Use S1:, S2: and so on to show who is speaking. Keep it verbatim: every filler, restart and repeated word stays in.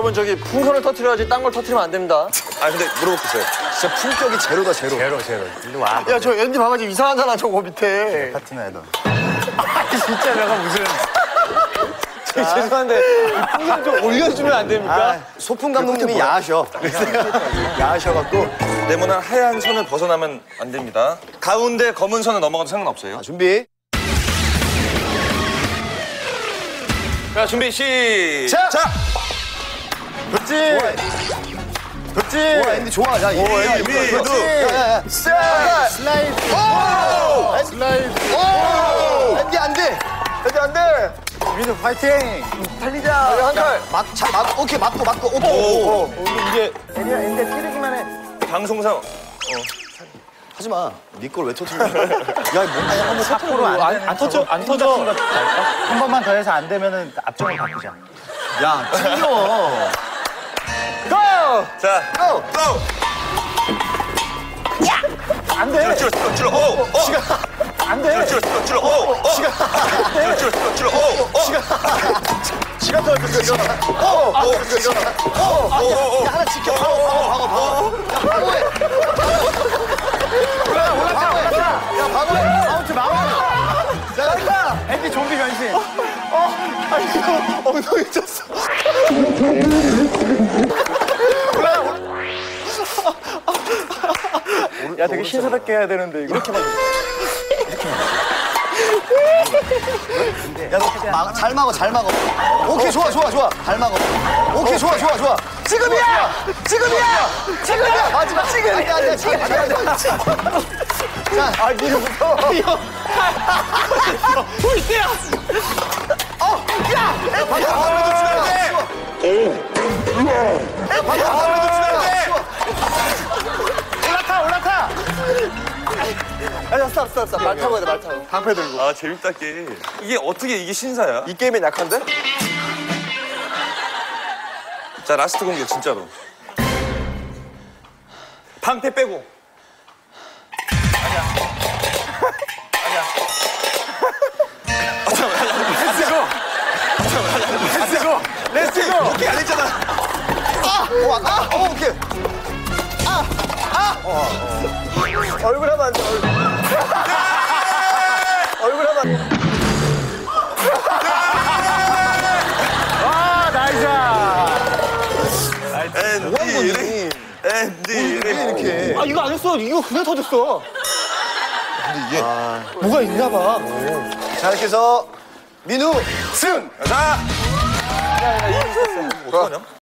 S1: 여러분 저기 풍선을 터트려야지 딴 걸 터트리면 안 됩니다.
S2: 아 근데 물어볼게요.
S3: 진짜 품격이 제로다 제로.
S4: 제로 제로. 일로 와.
S1: 야 저 엔디 봐봐 지금 이상하잖아 저거 밑에.
S3: 파트너야 너.
S4: 진짜 내가 무슨.
S1: 죄송한데 풍선 좀 올려주면 안 됩니까?
S3: 아, 소풍 감독님이 야하셔. 야하셔갖고.
S2: 네모난 하얀 선을 벗어나면 안 됩니다. 가운데 검은 선을 넘어가도 상관없어요.
S3: 자, 준비.
S2: 자 준비 시작.
S3: 자. 그렇지. 그렇지. 좋아, 앤디 좋아. 야,
S2: 오, 앤디 위,
S3: 그렇지.
S2: 두.
S3: 야야야. 슬라이드. 오! 슬라이드. 오! 앤디 안 돼. 앤디 안 돼. 민우 파이팅.
S1: 달리자. 한 칼.
S3: 막, 잘 막, 오케이, 맞고, 맞고, 오케이.
S2: 오,
S3: 오.
S2: 이게
S1: 엔디야 엔디 찌르기만 해.
S2: 방송상
S3: 하지 마. 네 걸 왜 터뜨려? 야, 뭔가 한번
S4: 앞으로 안, 안, 안 터져 안 터져. 한 번만 더 해서 안 되면은 앞쪽을 바꾸자.
S3: 야, 찔려.
S1: 고!
S2: 자
S3: 고!
S2: 고.
S4: 안 돼.
S2: 찔러 찔러 찔러. 오, 오.
S4: 안 돼.
S2: 찔러 찔러 찔러. 오, 오. 찔러 찔러 찔러. 오, 오.
S3: 시간 더 이거 일어나. 오, 오, 이거 일어나. 오, 오, 오. 야, 하나 지켜. 방어, 방어, 방어, 방어. 야, 방어해. 올라가, 올라가, 올라가. 야, 방어해. 아웃 막아. 자, 간다.
S4: 앤디 좀비 변신.
S3: 아, 이거 엉덩이 쳤어.
S4: 야 되게 신사답게 해야 되는데 이거. 이렇게 봐.
S3: 야, 너 막, 잘 막어, 잘 막어. 오케이, 좋아, 좋아, 좋아. 잘 막어. 오케이, 좋아, 좋아, 좋아. 지금이야! 지금이야! 지금이야! 마지막 지금! 안 돼, 안 돼, 지금 안 돼, 안 돼. 자, 아, 니는 무서워.
S1: 볼때야.
S3: 어, 야! 방금 방금 놓치면 안 돼! 야, 방금 방금 놓치면 안 돼!
S4: 올라타 올라타.
S1: 아니야 스탑 스탑 스탑. 말 타고 해야 돼말 타고. 방패 들고.
S2: 아 재밌다 게임. 이게 어떻게 이게 신사야?
S1: 이 게임엔 약한데?
S2: 자 라스트 공격 진짜로. 방패 빼고. 아니야. 아니야. 아 잠깐만.
S4: 렛츠고. 렛츠고.
S2: 오케이 안 했잖아.
S3: 아! 어, 아! 어, 오케이.
S1: 얼굴 하면 안 돼. 얼굴. 얼굴 하면 안 돼.
S4: 아 나이스.
S2: 앤디 앤디
S3: 이렇게.
S1: 아 이거 안 했어. 이거 그냥 터졌어.
S2: 근데 이게
S1: 뭐가 있나 봐.
S3: 자, 이렇게 해서 민우 승!
S2: 자. 어떡하냐?